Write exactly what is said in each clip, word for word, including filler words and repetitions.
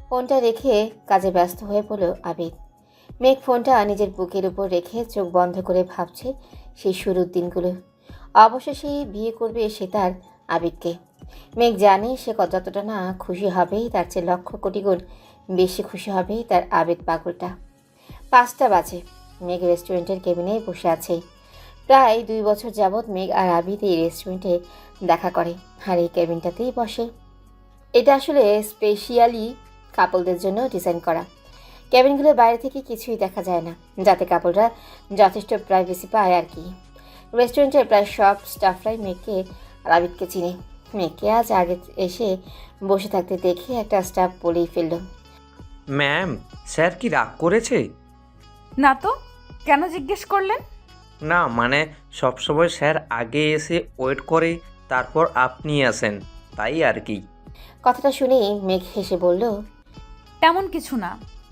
ফোনটা রেখে কাজে ব্যস্ত হয়ে পড়ল আবিদ। মেঘ ফোনটা নিজের বুকের উপর রেখে চোখ বন্ধ করে ভাবছে সেই শুরুর দিনগুলো। অবশেষে বিয়ে করবে সে তার আবিদকে। মেঘ জানে সে যতটা না খুশি হবে তার চেয়ে লক্ষ কোটি গুণ বেশি খুশি হবে তার আবিদ পাগলটা। পাঁচটা বাজে। মেঘ রেস্টুরেন্টের কেবিনে বসে আছে। প্রায় দুই বছর যাবৎ মেঘ আর আবিদ এই রেস্টুরেন্টে দেখা করে আর এই কেবিনটাতেই বসে। এটা আসলে স্পেশালি কাপলদের জন্য ডিজাইন করা। কেবিনগুলোর বাইরে থেকে কিছুই দেখা যায় না, যাতে কাপলরা যথেষ্ট প্রাইভেসি পায় আর কি। রেস্টুরেন্টের প্রায় সব স্টাফরাই মেঘকে আর আবিদকে চিনে। মেঘকে আজ আগে এসে বসে থাকতে দেখে একটা স্টাফ বলেই ফেলল, ম্যাম, স্যার কি রাগ করেছে? না তো, কেন জিজ্ঞেস করলেন? না মানে সবসময় স্যার আগে এসে ওয়েট করে, তারপর আপনি আসেন, তাই আর কি। কথাটা শুনেই মেঘ হেসে বলল, তেমন কিছু না।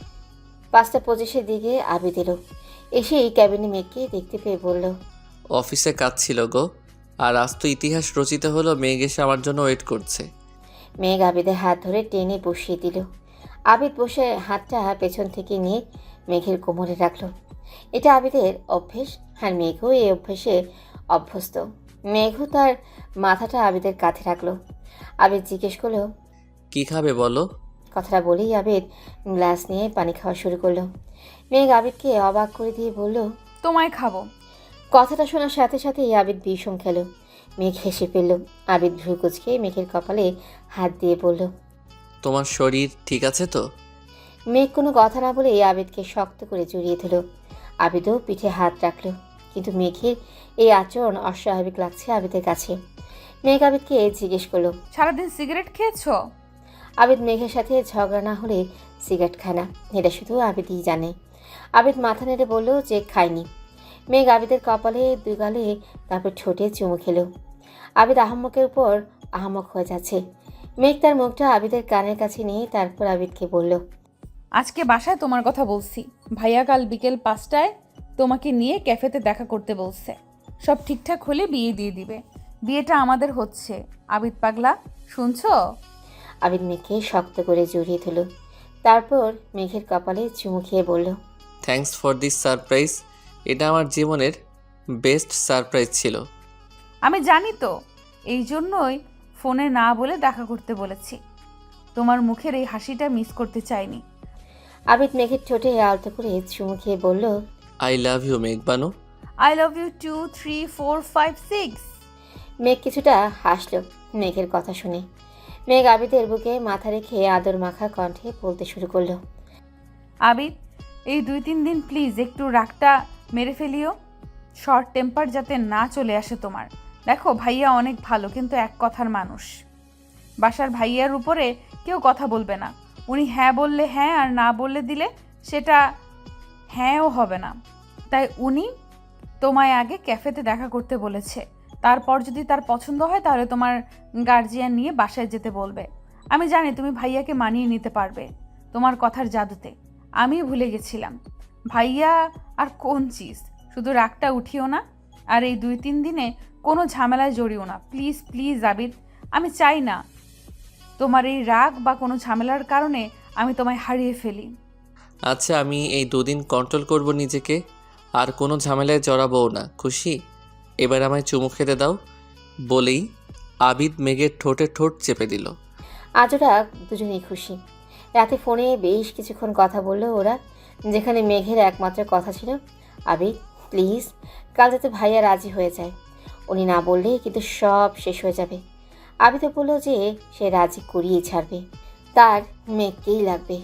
পাঁচটা পঁচিশের দিকে আবিদ এলো। এসেই ক্যাবিনে মেঘকে দেখতে পেয়ে বলল, অফিসে কাজ ছিল গো, আর আজ তো ইতিহাস রচিত হলো, মেঘ এসে আমার জন্য ওয়েট করছে। মেঘ আবিদের হাত ধরে টেনে বসিয়ে দিল। আবিদ বসে হাতটা পেছন থেকে নিয়ে মেঘের কোমরে রাখলো। এটা আবিদের অভ্যেস, আর মেঘও এই অভ্যেসে অভ্যস্ত। মেঘও তার মাথাটা আবিদের কাঁধে রাখলো। আবিদ জিজ্ঞেস করলো, কি খাবে বলো? কথাটা বলেই আবিদ গ্লাস নিয়ে পানি খাওয়া শুরু করলো। মেঘ আবিদকে অবাক করে দিয়ে বলল, তোমায় খাবো। কথাটা শোনার সাথে সাথেই আবিদ বিষম খেল। মেঘ হেসে ফেলল। আবিদ ভ্রু কুঁচকে মেঘের কপালে হাত দিয়ে বলল, তোমার শরীর ঠিক আছে তো? মেঘ কোনো কথা না বলে আবিদকে শক্ত করে জড়িয়ে ধরল। আবিদও পিঠে হাত রাখল, কিন্তু মেঘের এই আচরণ অস্বাভাবিক লাগছে আবিদের কাছে। মেঘ আবিদকে জিজ্ঞেস করলো, সারাদিন সিগারেট খেয়েছো? আবিদ মেঘের সাথে ঝগড়া না হলে সিগারেট খায় না, এটা শুধু আবিদই জানে। আবিদ মাথা নেড়ে বলল যে খায়নি। মেঘ আবিদের কপালে দুই গালে তারপর ঠোঁটে চুমু খেল। আবিদ আহাম্মকের উপর আহাম্মক হয়ে যাচ্ছে। মেঘ তার মুখটা আবিদের কানের কাছে নিয়ে তারপর আবিদকে বলল, আজকে বাসায় তোমার কথা বলছি। ভাইয়া কাল বিকেল পাঁচটায় তোমাকে নিয়ে ক্যাফেতে দেখা করতে বলছে। সব ঠিকঠাক হলে বিয়ে দিয়ে দিবে। বিয়েটা আমাদের হচ্ছে। আবিদ পাগলা, শুনছো? আবিদ মেঘকে শক্ত করে জড়িয়ে ধরল। তারপর মেঘের কপালে চুমু খেয়ে বলল, থ্যাঙ্কস ফর দিস সারপ্রাইজ। এটা আমার জীবনের বেস্ট সারপ্রাইজ ছিল। আমি জানি তো, এই জন্যই ফোনে না বলে দেখা করতে বলেছি। তোমার মুখের এই হাসিটা মিস করতে চাইনি। আবিদ মেঘের ঠোঁটে আলতো করে চুমু খেয়ে বলল, I love you Megh Banu. I love you two three four five six. Megh কিছুটা হাসল মেঘের কথা শুনে। মেঘ আবিদের বুকে মাথা রেখে আদর মাখা কণ্ঠে বলতে শুরু করলো, আবিদ, এই দুই তিন দিন প্লিজ একটু রাগটা মেরে ফেলিও। শর্ট টেম্পার যাতে না চলে আসে তোমার। দেখো ভাইয়া অনেক ভালো, কিন্তু এক কথার মানুষ। বাসার ভাইয়ার উপরে কেউ কথা বলবে না। উনি হ্যাঁ বললে হ্যাঁ, আর না বললে দিলে সেটা হ্যাঁও হবে না। তাই উনি তোমায় আগে ক্যাফেতে দেখা করতে বলেছে। তারপর যদি তার পছন্দ হয় তাহলে তোমার গার্জিয়ান নিয়ে বাসায় যেতে বলবে। আমি জানি তুমি ভাইয়াকে মানিয়ে নিতে পারবে তোমার কথার জাদুতে। আমি ভুলে গেছিলাম ভাইয়া আর কোন চিজ। শুধু রাগটা উঠিও না, আর এই দুই তিন দিনে কোনো ঝামেলায় জড়িও না, প্লিজ প্লিজ আবিদ। আমি চাই না তোমার এই রাগ বা কোনো ঝামেলার কারণে আমি তোমায় হারিয়ে ফেলি। আচ্ছা, আমি এই দুদিন কন্ট্রোল করব নিজেকে, আর কোনো ঝামেলায় জড়াবও না। খুশি? এবার আমায় চুমু খেতে দাও। বলেই আবিদ মেঘের ঠোঁটে ঠোঁট চেপে দিল। আজ ওরা দুজনেই খুশি। রাতে ফোনে বেশ কিছুক্ষণ কথা বললো ওরা, যেখানে মেঘের একমাত্র কথা ছিল, আবিদ প্লিজ কাল যাতে ভাইয়া রাজি হয়ে যায়। উনি না বললে কিন্তু সব শেষ হয়ে যাবে। আবিদও বললো যে সে রাজি করিয়ে ছাড়বে, তার মেঘকেই লাগবে।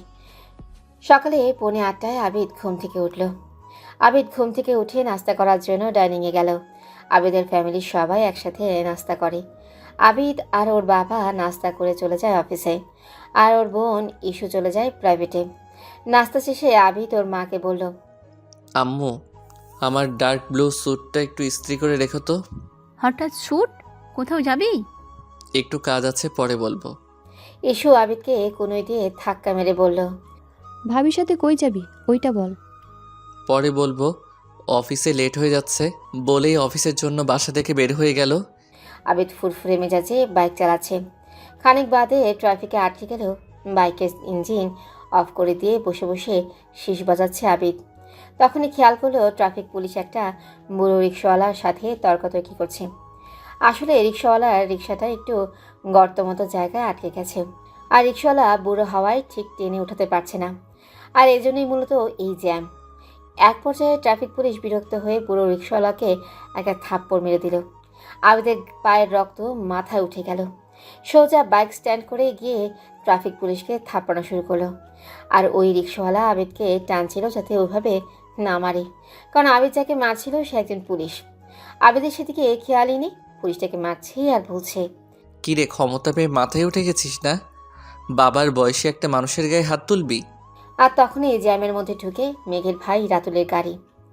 সকালে পৌনে আটটায় আবিদ ঘুম থেকে উঠল। আবিদ ঘুম থেকে উঠে নাস্তা করার জন্য ডাইনিংয়ে গেল। আবিদের ফ্যামিলির সবাই একসাথে নাস্তা করে। আবিদ আর ওর বাবা নাস্তা করে চলে যায় অফিসে, আর ওর বোন ইস্যু চলে যায় প্রাইভেটে। নাস্তা শেষে আবিদ ওর মাকে বলল, আম্মু, আমার ডার্ক ব্লু স্যুটটা একটু ইস্ত্রি করে রেখো তো। হঠাৎ শ্যুট? কোথাও যাবি? একটু কাজ আছে, পরে বলবো। ইস্যু আবিদকে কোনোই দিয়ে ধাক্কা মেরে বলল, ভাবির সাথে কই যাবি ওইটা বল। পরে বলবো, অফিসে লেট হয়ে যাচ্ছে। বলেই অফিসের জন্য বাসা থেকে বের হয়ে গেল। আবিদ ফুরফুরে মেজাজে বাইক চালাচ্ছে। খানিক বাদে ট্রাফিকে আটকে গেল বাইকের ইঞ্জিন অফ করে দিয়ে বসে বসে শীষ বাজাচ্ছে আবিদ। তখনই খেয়াল করলো ট্রাফিক পুলিশ একটা বুড়ো রিক্সাওয়ালার সাথে তর্কাতর্কি করছে। আসলে রিক্সাওয়ালার রিক্সাটা একটু গর্ত মতো জায়গায় আটকে গেছে, আর রিক্সাওয়ালা বুড়ো হাওয়ায় ঠিক টেনে উঠাতে পারছে না, আর এজন্যই মূলত এই জ্যাম। এক পর্যায়ে ট্রাফিক পুলিশ বিরক্ত হয়ে বুড়ো রিক্সাওয়ালাকে একটা থাপ্পড় মেরে দিল। আবিদের পায়ের রক্ত মাথায় উঠে গেল। সোজা বাইক স্ট্যান্ড করে গিয়ে ট্রাফিক পুলিশকে থাপ্পানো শুরু করলো। আর ওই রিক্সাওয়ালা আবিদকে টানছিল যাতে ওইভাবে না মারে, কারণ আবিদ যাকে মারছিল সে একজন পুলিশ। আবিদের সেদিকে খেয়ালই নেই, পুলিশটাকে মারছে আর বলছে, কি রে, ক্ষমতা পেয়ে মাথায় উঠে গেছিস না? বাবার বয়সে একটা মানুষের গায়ে হাত তুলবি? আর তখনই জ্যামের মধ্যে ঢুকে মেঘের ভাই রাতুলের গাড়ি।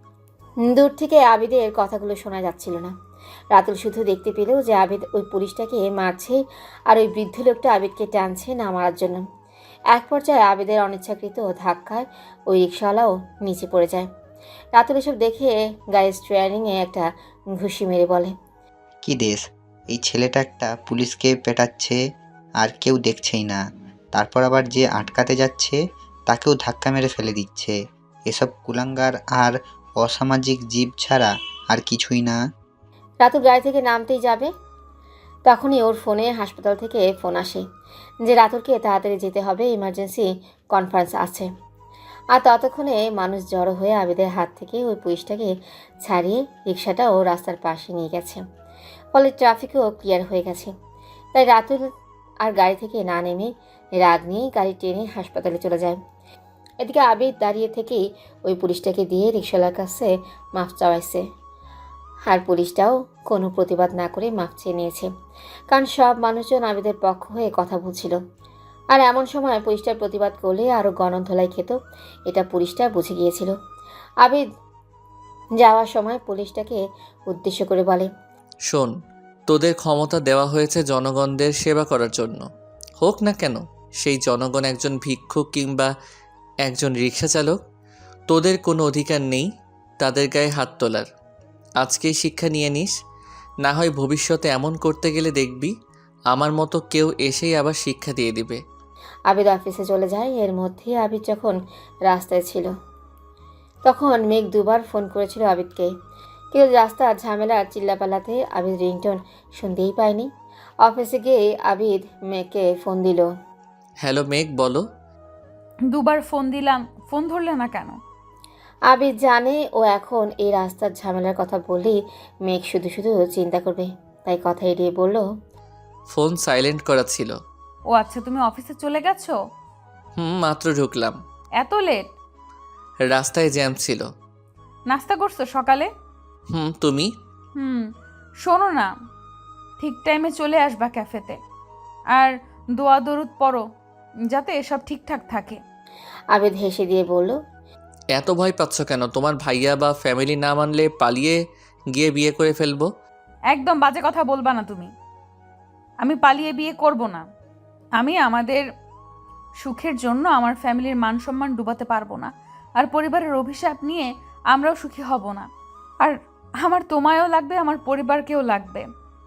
দূর থেকে আবিদের কথাগুলো শোনা যাচ্ছিল না। রাতুল শুধু দেখতে পেল যে আবিদ ওই পুলিশটাকে মারছে আর ওই বৃদ্ধ লোকটা আবিদকে টানছে না মারার জন্য। এক পর্যায়ে আবিদের অনিচ্ছাকৃত ধাক্কায় ওই রিক্সাওয়ালাও নিচে পড়ে যায়। রাতুল এসব দেখে গাড়ির স্টিয়ারিংয়ে একটা ঘুষি মেরে বলে, কি দেশ, এই ছেলেটা একটা পুলিশকে পেটাচ্ছে আর কেউ দেখছেই না, তারপর আবার যে আটকাতে যাচ্ছে তাকেও ধাক্কা মেরে ফেলে দিচ্ছে। এসব কুলাঙ্গার আর অসামাজিক জীব ছাড়া আর কিছুই না। রাতুল গাড়ি থেকে নামতেই যাবে, তখনই ওর ফোনে হাসপাতাল থেকে ফোন আসে যে রাতুলকে তাড়াতাড়ি যেতে হবে, ইমার্জেন্সি কনফারেন্স আছে। আর ততক্ষণে মানুষ জড়ো হয়ে আবিদের হাত থেকে ওই পুলিশটাকে ছাড়িয়ে রিক্সাটাও রাস্তার পাশে নিয়ে গেছে, ফলে ট্রাফিকও ক্লিয়ার হয়ে গেছে। তাই রাতুল আর গাড়ি থেকে না নেমে রাগ নিয়ে গাড়ি টেনে হাসপাতালে চলে যায়। এদিকে আবিদ দাঁড়িয়ে থেকেই ওই পুলিশটাকে দিয়ে রিক্সাওয়ালার কাছে মাফ চাওয়াইছে, আর পুলিশটাও কোনো প্রতিবাদ না করে মাফ চেয়ে নিয়েছে, কারণ সব মানুষজন আবিদের পক্ষ হয়ে কথা বলছিল। আর এমন সময় পুলিশটার প্রতিবাদ করলে আরও গণধোলাই খেত, এটা পুলিশটা বুঝে গিয়েছিল। আবিদ যাওয়ার সময় পুলিশটাকে উদ্দেশ্য করে বলে, শোন, তোদের ক্ষমতা দেওয়া হয়েছে জনগণদের সেবা করার জন্য। হোক না কেন সেই জনগণ একজন ভিক্ষুক কিংবা একজন রিক্সা চালক, তোদের কোনো অধিকার নেই তাদের গায়ে হাত তোলার। আজকেই শিক্ষা নিয়ে নিস, না হয় ভবিষ্যতে এমন করতে গেলে দেখবি আমার মতো কেউ এসেই আবার শিক্ষা দিয়ে দিবে। আবিদ অফিসে চলে যায়। এর মধ্যে আবিদ যখন রাস্তায় ছিল তখন মেঘ দুবার ফোন করেছিল আবিদকে, কিন্তু রাস্তার ঝামেলার চিল্লাপাল্লাতে আবিদ রিংটোন শুনতেই পায়নি। অফিসে গিয়ে আবিদ মেঘকে ফোন দিল। হ্যালো মেঘ, বলো। দুবার ফোন দিলাম, ফোন ধরলে না কেন? আবিদ জানে ও এখন এই রাস্তার ঝামেলার কথা বললেই মেঘ শুধু শুধু চিন্তা করবে, তাই কথা এড়িয়ে বলল, ফোন সাইলেন্ট করা ছিল। ও আচ্ছা, তুমি অফিসে চলে গেছো? হুম, মাত্র ঢুকলাম। এত লেট? রাস্তায় জ্যাম ছিল। নাস্তা করছো সকালে? হুম, তুমি? হুম। শোনো না, ঠিক টাইমে চলে আসবা ক্যাফেতে, আর দোয়া দরুদ পড়ো যাতে এসব ঠিকঠাক থাকে। আবিদ হেসে দিয়ে বলল, এত ভয় পাচ্ছ কেন? তোমার ভাইয়া বা ফ্যামিলি না মানলে পালিয়ে গিয়ে বিয়ে করে ফেলবো। একদম বাজে কথা বলবা না তুমি। আমি পালিয়ে বিয়ে করব না। আমি আমাদের সুখের জন্য আমার ফ্যামিলির মান সম্মান ডুবাতে পারবো না, আর পরিবারের অভিশাপ নিয়ে আমরাও সুখী হব না। আর আমার তোমায়ও লাগবে, আমার পরিবারকেও লাগবে,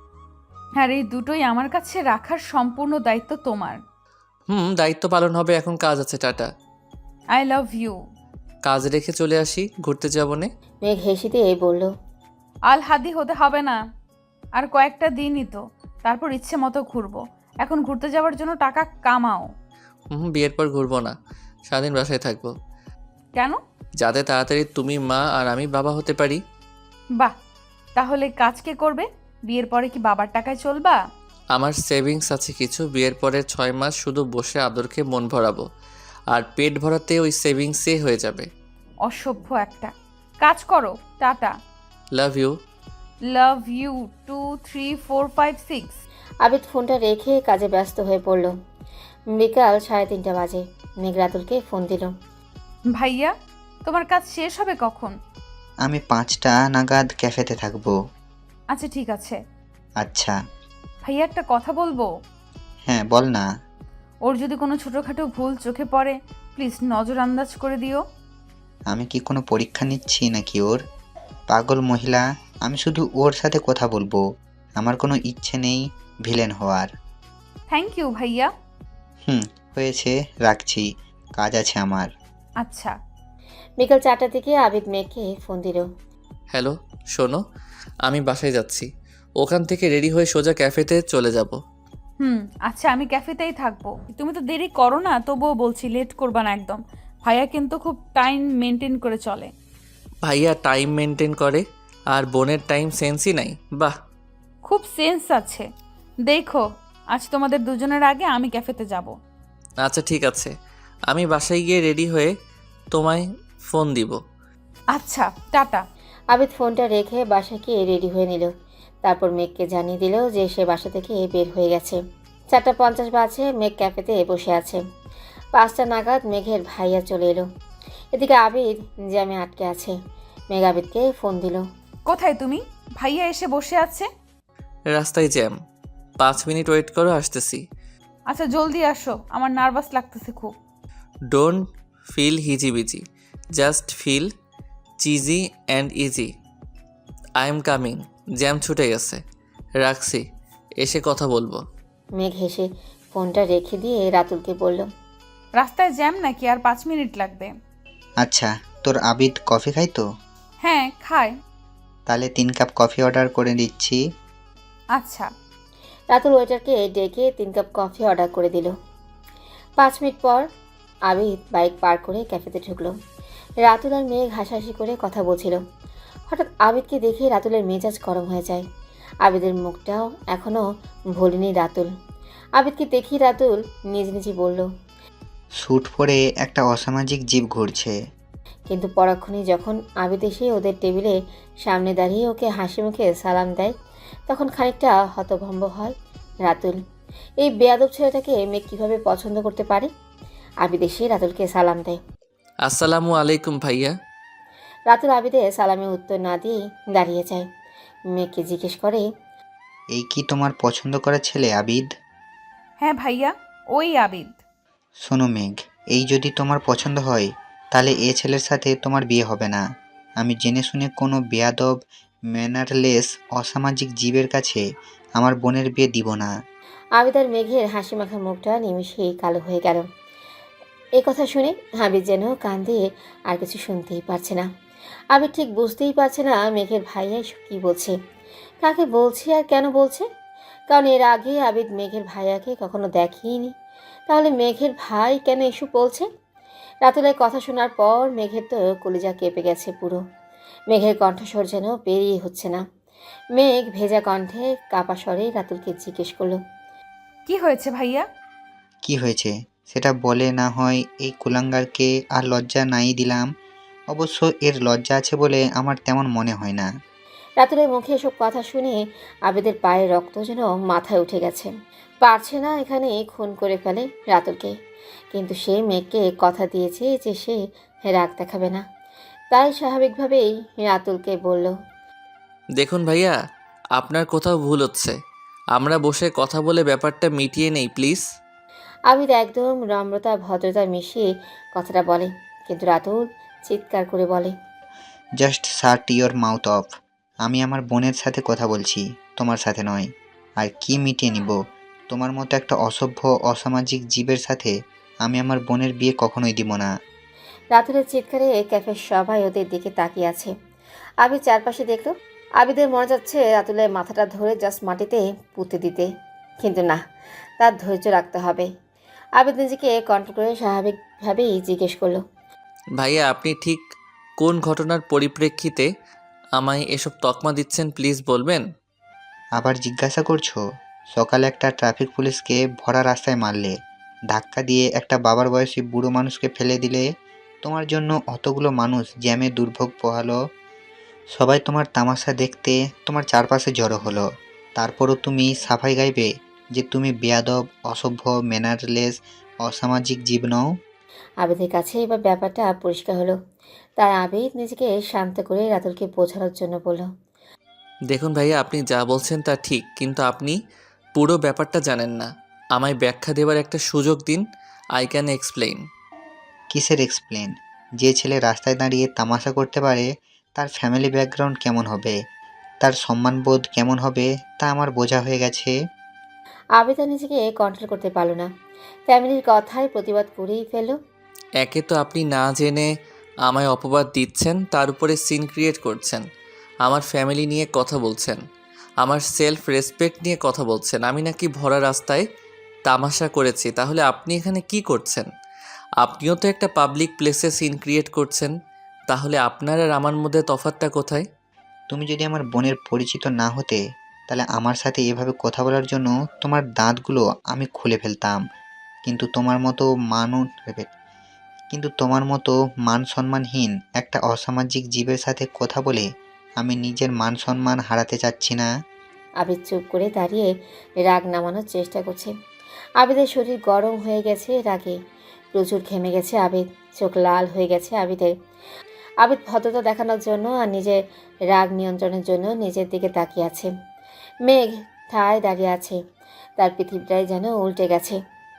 আর এই দুটোই আমার কাছে রাখার সম্পূর্ণ দায়িত্ব তোমার। হুম, দায়িত্ব পালন হবে, এখন কাজ আছে, টাটা। I love you. কাজ রেখে চলে আসি, ঘুরতে যাবো নে। মেঘ হেসে দিয়ে বলল, আল হাদি হতে হবে না, আর কয়েকটা দিনই তো, তারপর ইচ্ছে মতো ঘুরবো। এখন ঘুরতে যাওয়ার জন্য টাকা কামাও। হুম, বিয়ের পর ঘুরবো না, সারাদিন বাসায় থাকবো, কেন? যাতে তাড়াতাড়ি তুমি মা আর আমি বাবা হতে পারি। বাহ, তাহলে কাজ কে করবে? বিয়ের পরে কি বাবার টাকায় চলবা? আমার সেভিংস আছে কিছু, বিয়ের পরে ছয় মাস শুধু বসে আদরকে মন ভরাবো, আর পেট ভরাতে ওই সেভিংসে হয়ে যাবে। অসভ্য একটা। কাজ করো, টাটা। Love you. Love you two three four five six. Abid ফোনটা রেখে কাজে ব্যস্ত হয়ে পড়ল। বিকাল সাড়ে তিনটা বাজে। মেঘ রাতুলকে ফোন দিল। ভাইয়া, তোমার কাজ শেষ হবে কখন? আমি পাঁচটা নাগাদ ক্যাফেতে থাকবো। আচ্ছা ঠিক আছে। আচ্ছা। ভাইয়া, একটা কথা বলবো? হ্যাঁ, বল না। ওর যদি কোনো ছোটোখাটো ভুল চোখে পড়ে, প্লিজ নজর আন্দাজ করে দিও। আমি কি কোনো পরীক্ষা নিচ্ছি নাকি ওর? পাগল মহিলা, আমি শুধু ওর সাথে কথা বলবো, আমার কোনো ইচ্ছে নেই ভিলেন হওয়ার। থ্যাংক ইউ ভাইয়া। হুম, হয়েছে, রাখছি, কাজ আছে আমার। আচ্ছা। বিকাল চারটার দিকে আবিদ মেঘকে ফোন দিল। হ্যালো, শোনো, আমি বাসায় যাচ্ছি। ওখান থেকে রেডি হয়ে সোজা ক্যাফেতে চলে যাব। হুম, আচ্ছা আমি ক্যাফেতেই থাকবো। তুমি তো দেরি করো না, তবুও বলছি লেট করবা না একদম। ভাইয়া কিন্তু খুব টাইম মেনটেন করে চলে। ভাইয়া টাইম মেনটেন করে আর বোনের টাইম সেন্সই নাই। বাহ। খুব সেন্স আছে। দেখো, আজ তোমাদের দুজনের আগে আমি ক্যাফেতে যাব। আচ্ছা ঠিক আছে, আমি বাসায় গিয়ে রেডি হয়ে তোমায় ফোন দিব। আচ্ছা, টাটা। আবিদ ফোনটা রেখে বাসায় গিয়ে রেডি হয়ে নিল। তারপর মেঘকে জানিয়ে দিল যে সে বাসা থেকে বের হয়ে গেছে। চারটা পঞ্চাশ বাজে, মেঘ ক্যাফেতে বসে আছে। পাঁচটা নাগাদ মেঘের ভাইয়া চলে এলো। এদিকে আবিদ জ্যামে আটকে আছে। মেঘ আবিদকে ফোন দিল। কোথায় তুমি? ভাইয়া এসে বসে আছে। রাস্তায় জ্যাম, পাঁচ মিনিট ওয়েট করো, আসতেছি। আচ্ছা জলদি আসো, আমার নার্ভাস লাগতেছে খুব। ডোন্ট ফিল হিজিবিজি, just feel cheesy and easy. I am coming. Jam ছুটে গেছে, রাখছি, এসে কথা বলবো। মেঘ হেসে ফোনটা রেখে দিয়ে রাতুলকে বলল। রাস্তায় জ্যাম নাকি? আর পাঁচ মিনিট লাগবে। আচ্ছা, তোর আবিদ কফি খাই তো? হ্যাঁ খায়। তাহলে তিন কাপ কফি অর্ডার করে দিচ্ছি। আচ্ছা। রাতুল ওয়েটারকে ডেকে তিন কাপ কফি অর্ডার করে দিল। পাঁচ মিনিট পর আবিদ বাইক পার করে ক্যাফেতে ঢুকলো। রাতুল আর মেঘ হাসাহাসি করে কথা বলছিল। হঠাৎ আবিদকে দেখে রাতুলের মেজাজ গরম হয়ে যায়। আবিদের মুখটাও এখনও ভোলেনি রাতুল। আবিদকে দেখি রাতুল নিজ নিজে বলল। স্যুট পরে একটা অসামাজিক জীব ঘুরছে। কিন্তু পরক্ষণেই যখন আবিদ এসে ওদের টেবিলে সামনে দাঁড়িয়ে ওকে হাসি মুখে সালাম দেয়, তখন খানিকটা হতভম্ব হয় রাতুল। এই বেয়াদব ছেলেটাকে মেঘ কীভাবে পছন্দ করতে পারে? আবিদ এসে রাতুলকে সালাম দেয়। আসসালামু আলাইকুম ভাইয়া। রাতুল আবিদের সালামে উত্তর না দিয়ে দাঁড়িয়ে যায়। মেঘকে জিজ্ঞেস করে। এই কি তোমার পছন্দ করা ছেলে আবিদ? হ্যাঁ ভাইয়া, ওই আবিদ। শোনো মেঘ, এই যদি তোমার পছন্দ হয় তাহলে এ ছেলের সাথে তোমার বিয়ে হবে না। আমি জেনে শুনে কোনো বেয়াদব ম্যানারলেস অসামাজিক জীবের কাছে আমার বোনের বিয়ে দিব না। আবিদ আর মেঘের হাসি মাখা মুখটা নিমিষেই কালো হয়ে গেল। এই কথা শুনে আবিদ যেন কান দিয়ে আর কিছু শুনতেই পারছে না। আবিদ ঠিক বুঝতেই পারছে না মেঘের ভাইয়া এসব কী বলছে, কাকে বলছে আর কেন বলছে। কারণ এর আগে আবিদ মেঘের ভাইয়াকে কখনো দেখেইনি। তাহলে মেঘের ভাই কেন এসব বলছে? রাতুলের কথা শোনার পর মেঘের তো কলিজা কেঁপে গেছে পুরো। মেঘের কণ্ঠস্বর যেন বেরিয়ে হচ্ছে না। মেঘ ভেজা কণ্ঠে কাপা স্বরে রাতুলকে জিজ্ঞেস করলো। কি হয়েছে ভাইয়া? কি হয়েছে সেটা বলে না হয় এই কুলাঙ্গারকে আর লজ্জা নাই দিলাম। অবশ্য এর লজ্জা আছে বলে আমার তেমন মনে হয় না। রাতুলের মুখে এসব কথা শুনে আবিদের পায়ের রক্ত যেন মাথায় উঠে গেছে। পারছে না এখানে খুন করে ফেলে রাতুলকে, কিন্তু সে মেঘকে কথা দিয়েছে যে সে রাগ দেখাবে না। তাই স্বাভাবিকভাবেই রাতুলকে বলল। দেখুন ভাইয়া, আপনার কোথাও ভুল হচ্ছে। আমরা বসে কথা বলে ব্যাপারটা মিটিয়ে নেই প্লিজ। আবিদ একদম নম্রতা ভদ্রতা মিশিয়ে কথাটা বলে, কিন্তু রাতুল চিৎকার করে বলে। Just shut your mouth off. আমি আমার বোনের সাথে কথা বলছি, তোমার সাথে নয়। আর কি মিটিয়ে নিব? তোমার মতো একটা অসভ্য অসামাজিক জীবের সাথে আমি আমার বোনের বিয়ে কখনোই দিব না। রাতুলের চিৎকারে ক্যাফের সবাই ওদের দিকে তাকিয়ে আছে। আবিদ চারপাশে দেখলো। আবিদের মনে যাচ্ছে রাতুলের মাথাটা ধরে জাস্ট মাটিতে পুঁতে দিতে, কিন্তু না, তার ধৈর্য রাখতে হবে। আবিদ নিজেকে কন্ট্রোল করে স্বাভাবিকভাবেই জিজ্ঞেস করলো। ভাইয়া আপনি ঠিক কোন ঘটনার পরিপ্রেক্ষিতে আমায় এসব তকমা দিচ্ছেন প্লিজ বলবেন? আবার জিজ্ঞাসা করছো? সকালে একটা ট্রাফিক পুলিশকে ভরা রাস্তায় মারলে, ধাক্কা দিয়ে একটা বাবার বয়সী বুড়ো মানুষকে ফেলে দিলে, তোমার জন্য অতগুলো মানুষ জ্যামে দুর্ভোগ পোহালো, সবাই তোমার তামাশা দেখতে তোমার চারপাশে জড়ো হলো। তারপরও তুমি সাফাই গাইবে যে তুমি বেয়াদব, অসভ্য, ম্যানারলেস, অসামাজিক জীব নও। আবিদের কাছে এবার ব্যাপারটা পরিষ্কার হলো। তাই আবিদ নিজেকে শান্ত করে রাতুলকে বোঝানোর জন্য বলল। দেখুন ভাইয়া, আপনি যা বলছেন তা ঠিক, কিন্তু আপনি পুরো ব্যাপারটা জানেন না। আমায় ব্যাখ্যা দেওয়ার একটা সুযোগ দিন। I can explain. কিসের এক্সপ্লেন? যে ছেলে রাস্তায় দাঁড়িয়ে তামাশা করতে পারে তার ফ্যামিলি ব্যাকগ্রাউন্ড কেমন হবে, তার সম্মানবোধ কেমন হবে তা আমার বোঝা হয়ে গেছে। আবিদ আর নিজেকে কন্ট্রোল করতে পারল না। ফ্যামিলির কথায় প্রতিবাদ করেই ফেলল। একে তো আপনি না জেনে আমায় অপবাদ দিচ্ছেন, তার উপরে সিন ক্রিয়েট করছেন, আমার ফ্যামিলি নিয়ে কথা বলছেন, আমার সেলফ রেসপেক্ট নিয়ে কথা বলছেন। আমি নাকি ভরা রাস্তায় তামাশা করেছি, তাহলে আপনি এখানে কি করছেন? আপনিও তো একটা পাবলিক প্লেসে সিন ক্রিয়েট করছেন, তাহলে আপনার আর আমার মধ্যে তফাৎটা কোথায়? তুমি যদি আমার বোনের পরিচিত না হতে, তাহলে আমার সাথে এভাবে কথা বলার জন্য তোমার দাঁতগুলো আমি খুলে ফেলতাম। কিন্তু তোমার মতো মানুষ কিন্তু তোমার মতো মান সম্মানহীন একটা অসামাজিক জীবের সাথে কথা বলে আমি নিজের মান সম্মান হারাতে চাচ্ছি না। আবিদ চুপ করে দাঁড়িয়ে রাগ নামানোর চেষ্টা করছে। আবিদের শরীর গরম হয়ে গেছে রাগে, প্রচুর ঘেমে গেছে আবিদ, চোখ লাল হয়ে গেছে আবিদের। আবিদ ভদ্রতা দেখানোর জন্য আর নিজের রাগ নিয়ন্ত্রণের জন্য নিজের দিকে তাকিয়ে আছে। মেঘ ঠায় দাঁড়িয়ে আছে, তার পৃথিবীটাই যেন উল্টে গেছে।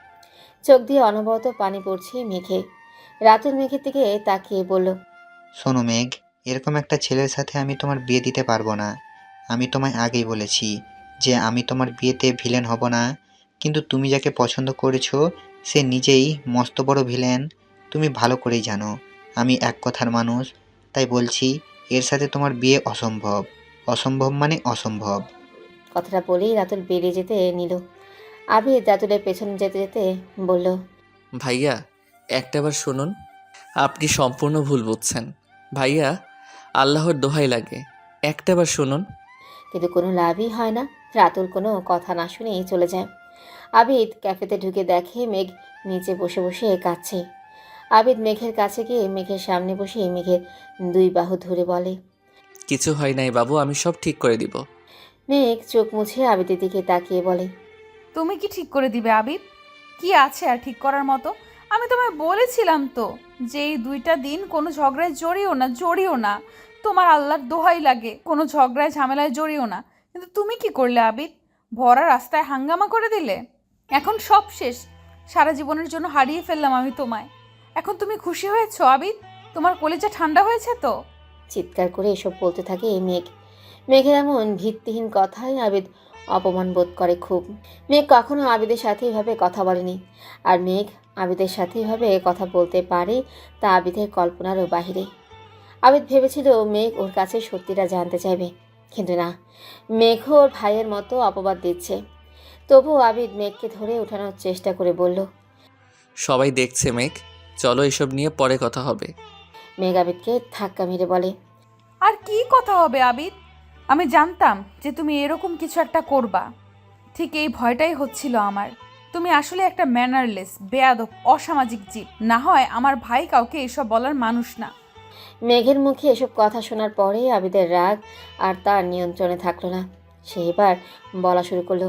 চোখ দিয়ে অনবরত পানি পড়ছে মেঘে। রাতুল মেঘের দিকে তাকিয়ে বলল, শোনো মেঘ, এরকম একটা ছেলের সাথে আমি তোমার বিয়ে দিতে পারবো না। আমি তোমায় আগেই বলেছি যে আমি তোমার বিয়েতে ভিলেন হব না, কিন্তু তুমি যাকে পছন্দ করেছো সে নিজেই মস্ত বড় ভিলেন। তুমি ভালো করেই জানো আমি এক কথার মানুষ, তাই বলছি এর সাথে তোমার বিয়ে অসম্ভব। অসম্ভব মানে অসম্ভব। কথাটা বলেই রাতুল বেরিয়ে যেতে নিল। আবিদ রাতুলের পেছনে যেতে যেতে বলল, ভাইয়া একটাবার শুনুন, আপনি সম্পূর্ণ ভুল বুঝছেন। ভাইয়া আল্লাহর দোহাই লাগে, একটাবার শুনুন। কিন্তু কোনো লাভই হয় না। রাতুল কোনো কথা না শুনেই চলে যায়। আবিদ ক্যাফেতে ঢুকে দেখে মেঘ নিচে বসে বসে কাঁদছে। আবিদ মেঘের কাছে গিয়ে মেঘের সামনে বসে মেঘের দুই বাহু ধরে বলে, কিছু হয় নাই বাবু, আমি সব ঠিক করে দিব। মেঘ চোখ মুছে আবিদের দিকে তাকিয়ে বলে, তুমি কি ঠিক করে দিবে আবিদ? কি আছে আর ঠিক করার মতো? আমি তোমায় বলেছিলাম তো যে এই দুইটা দিন কোনো ঝগড়ায় জড়িও না, জড়িও না। তোমার আল্লাহর দোহাই লাগে, কোনো ঝগড়ায় ঝামেলায় জড়িও না। কিন্তু তুমি কি করলে আবিদ? ভরা রাস্তায় হাঙ্গামা করে দিলে। এখন সব শেষ, সারা জীবনের জন্য হারিয়ে ফেললাম আমি তোমায়। এখন তুমি খুশি হয়েছো আবিদ? তোমার কলিজা ঠান্ডা হয়েছে তো? চিৎকার করে এসব বলতে থাকে মেঘ। মেঘের এমন ভিত্তিহীন কথায় আবিদ অপমান বোধ করে খুব। মেঘ কখনো আবিদের সাথে এভাবে কথা বলেনি, আর মেঘ আবিদের সাথে এভাবে কথা বলতে পারে তা আবিদের কল্পনারও বাহিরে। আবিদ ভেবেছিল মেঘ ওর কাছে সত্যিটা জানতে চাইবে, কিন্তু না, মেঘ ওর ভাইয়ের মতো অপবাদ দিচ্ছে। তবুও আবিদ মেঘকে ধরে ওঠানোর চেষ্টা করে বলল, সবাই দেখছে মেঘ, চলো এসব নিয়ে পরে কথা হবে। মেঘ আবিদকে ধাক্কা মেরে বলে, আর কি কথা হবে আবিদ? আমি জানতাম যে তুমি এরকম কিছু একটা করবা। ঠিক এই ভয়টাই হচ্ছিল আমার। তুমি আসলে একটা ম্যানারলেস, বেয়াদব, অসামাজিক জীব। না হয় আমার ভাই কাউকে এসব বলার মানুষ না। মেঘের মুখে এসব কথা শোনার পরে আবিদের রাগ আর তার নিয়ন্ত্রণে থাকলো না। সে এবার বলা শুরু করলো,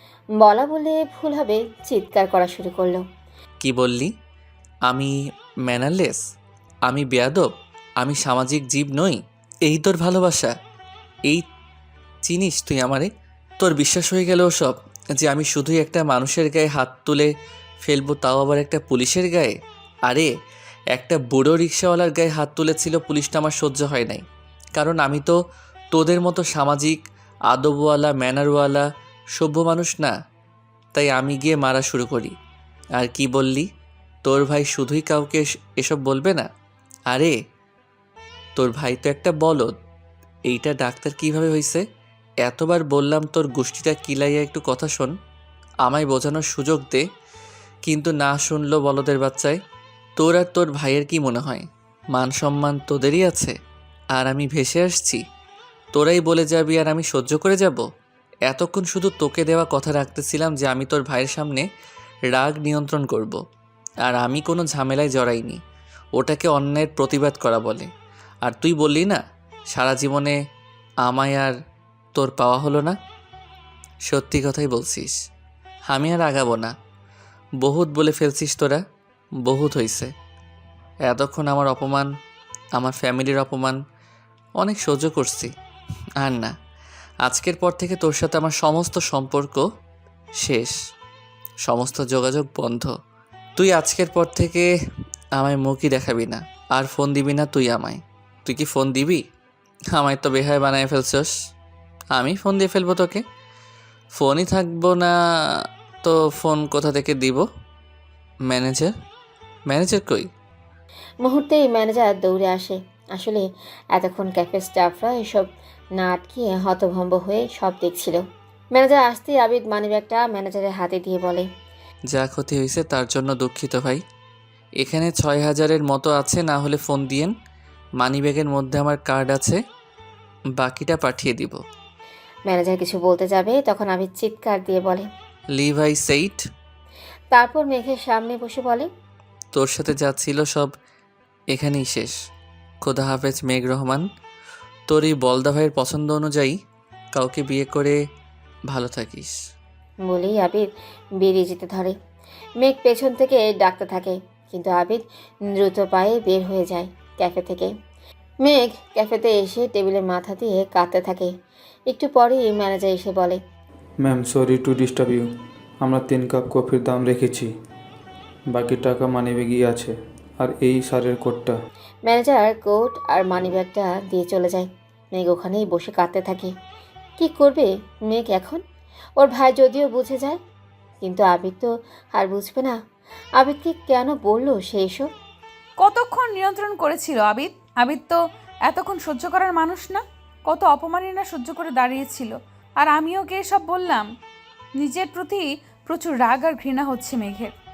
বলা বলে ভুল হবে, চিৎকার করা শুরু করলো। কি বললি? আমি ম্যানারলেস? আমি বেয়াদব? আমি সামাজিক জীব নই? এই তোর ভালোবাসা? এই চিনিস তুই আমারে? তোর বিশ্বাস হয়ে গেল সব, যে আমি শুধুই একটা মানুষের গায়ে হাত তুলে ফেলবো, তাও আবার একটা পুলিশের গায়ে? আরে একটা বুড়ো রিক্সাওয়ালার গায়ে হাত তুলেছিল পুলিশটা, আমার সহ্য হয় নাই। কারণ আমি তো তোদের মতো সামাজিক, আদবওয়ালা, ম্যানারওয়ালা, সভ্য মানুষ না। তাই আমি গিয়ে মারা শুরু করি। আর কি বললি? তোর ভাই শুধুই কাউকে এস- এসব বলবে না? আরে তোর ভাই তো একটা বলদ। এইটা ডাক্তার কিভাবে হয়েছে? এতবার বললাম তোর গোষ্ঠীটা কিলাইয়া একটু কথা শোন, আমায় বোঝানোর সুযোগ দে, কিন্তু না শুনলো বলদের বাচ্চায়। তোর আর তোর ভাইয়ের কি মনে হয় মান সম্মান তোদেরই আছে, আর আমি ভেসে আসছি? তোরাই বলে যাবি আর আমি সহ্য করে যাব? এতক্ষণ শুধু তোকে দেওয়া কথা রাখতেছিলাম যে আমি তোর ভাইয়ের সামনে রাগ নিয়ন্ত্রণ করব, আর আমি কোনো ঝামেলায় জড়াইনি। ওটাকে অন্যায়ের প্রতিবাদ করা বলে। আর তুই বললি না সারা জীবনে আমায় আর তোর পাওয়া হলো না। সত্যি কথাই বলছিস, আমি আর আগাবো না। বহুত বলে ফেলছিস তোরা, বহুত হইছে। এতক্ষণ আমার অপমান, আমার ফ্যামিলির অপমান অনেক সহ্য করছি। আর না, আজকের পর থেকে তোর সাথে আমার সমস্ত সম্পর্ক শেষ, সমস্ত যোগাযোগ বন্ধ। তুই আজকের পর থেকে আমায় মুখই দেখাবি না, আর ফোন দিবি না তুই আমায়। তুই কি ফোন দিবি? আমায় তো বেহায় বানায় ফেলছস। আমি ফোন দিয়ে ফেলবো তোকে? ফোনই থাকবো না তো ফোন কোথা থেকে দিব? ম্যানেজার ম্যানেজার কই? মুহূর্তেই ম্যানেজার দৌড়ে আসে। আসলে এতক্ষণ ক্যাফে স্টাফরা এসব না আটকিয়ে হতভম্ব হয়ে সব দেখছিল। ম্যানেজার আসতেই আবিদ মানিব্যাগটা ম্যানেজারের হাতে দিয়ে বলে, যা ক্ষতি হয়েছে তার জন্য দুঃখিত ভাই। এখানে ছয় হাজারের মতো আছে, না হলে ফোন দিয়েন। মানিব্যাগের মধ্যে আমার কার্ড আছে, বাকিটা পাঠিয়ে দিব। ম্যানেজার কিছু বলতে যাবে তখন আবিদ চিৎকার দিয়ে বলে। লিভ আই সেইট। তারপর মেঘের সামনে বসে বলে, তোর সাথে যা ছিল সব এখানেই শেষ। খোদা হাফেজ মেঘ রহমান। তোর এই বলদা ভাইয়ের পছন্দ অনুযায়ী কাউকে বিয়ে করে ভালো থাকিস। বলেই আবিদ বেরিয়ে যেতে ধরে। মেঘ পেছন থেকে ডাকতে থাকে, কিন্তু আবিদ দ্রুত পায়ে বের হয়ে যায় ক্যাফে থেকে। মেঘ ক্যাফেতে এসে টেবিলে মাথা দিয়ে কাঁদতে থাকে। একটু পরেই ম্যানেজার এসে বলে, ma'am sorry to disturb you. আমরা তিন কাপ কফির দাম রেখেছি, বাকি টাকা মানিব্যাগই আছে, আর এই সারের কোটটা। ম্যানেজার কোট আর মানিব্যাগটা দিয়ে চলে যায়। মেঘ ওখানেই বসে কাঁদতে থাকে। কি করবে মেঘ এখন? ওর ভাই যদিও বুঝে যায়, কিন্তু আবিদ তো আর বুঝবে না। আবিদকে কেন বললো সে এসব? কতক্ষণ নিয়ন্ত্রণ করেছিল আবিদ? আবিদ তো এতক্ষণ সহ্য করার মানুষ না। কত অপমাননা সহ্য করে দাঁড়িয়েছিল, আর আমিও ওকে এসব বললাম। নিজের প্রতি প্রচুর রাগ আর ঘৃণা হচ্ছে মেঘের।